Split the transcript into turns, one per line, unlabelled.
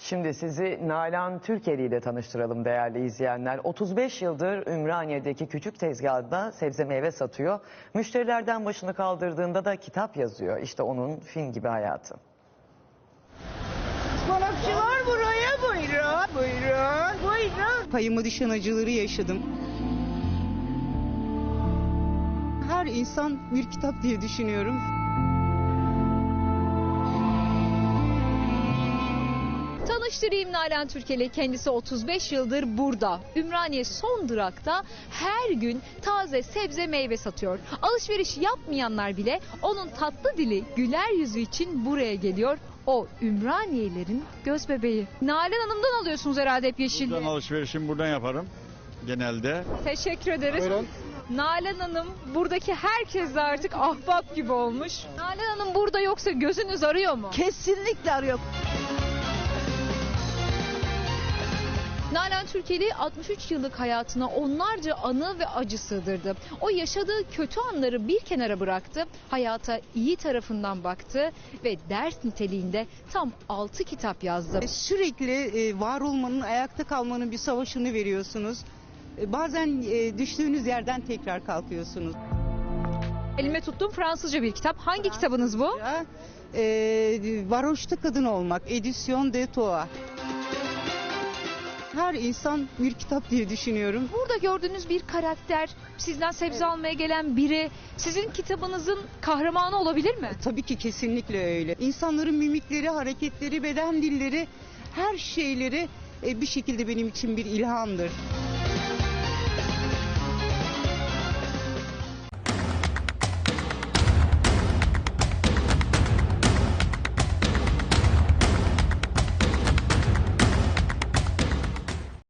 Şimdi sizi Nalan Türkeli ile tanıştıralım değerli izleyenler. 35 yıldır Ümraniye'deki küçük tezgahında sebze meyve satıyor. Müşterilerden başını kaldırdığında da kitap yazıyor. İşte onun film gibi hayatı.
Balıkçılar buraya buyurun, buyurun, buyurun.
Payıma düşen acıları yaşadım. Her insan bir kitap diye düşünüyorum.
Tanıştırayım Nalan Türkeli. Kendisi 35 yıldır burada. Ümraniye son durakta her gün taze sebze meyve satıyor. Alışveriş yapmayanlar bile onun tatlı dili, güler yüzü için buraya geliyor. O Ümraniyelerin göz bebeği. Nalan Hanım'dan alıyorsunuz herhalde hep yeşilliği.
Buradan alışverişimi buradan yaparım genelde.
Teşekkür ederiz.
Buyurun.
Nalan Hanım buradaki herkesle artık ahbap gibi olmuş. Nalan Hanım burada yoksa gözünüz arıyor mu?
Kesinlikle arıyor.
Nalan Türkeli 63 yıllık hayatına onlarca anı ve acı sığdırdı. O yaşadığı kötü anları bir kenara bıraktı, hayata iyi tarafından baktı ve ders niteliğinde tam 6 kitap yazdı.
Sürekli var olmanın, ayakta kalmanın bir savaşını veriyorsunuz. Bazen düştüğünüz yerden tekrar kalkıyorsunuz.
Elime tuttuğum Fransızca bir kitap. Hangi kitabınız bu?
Varoşta kadın olmak, Edisyon de Toa. Her insan bir kitap diye düşünüyorum.
Burada gördüğünüz bir karakter, sizden sebze almaya gelen biri, sizin kitabınızın kahramanı olabilir mi?
Tabii ki kesinlikle öyle. İnsanların mimikleri, hareketleri, beden dilleri, her şeyleri bir şekilde benim için bir ilhamdır.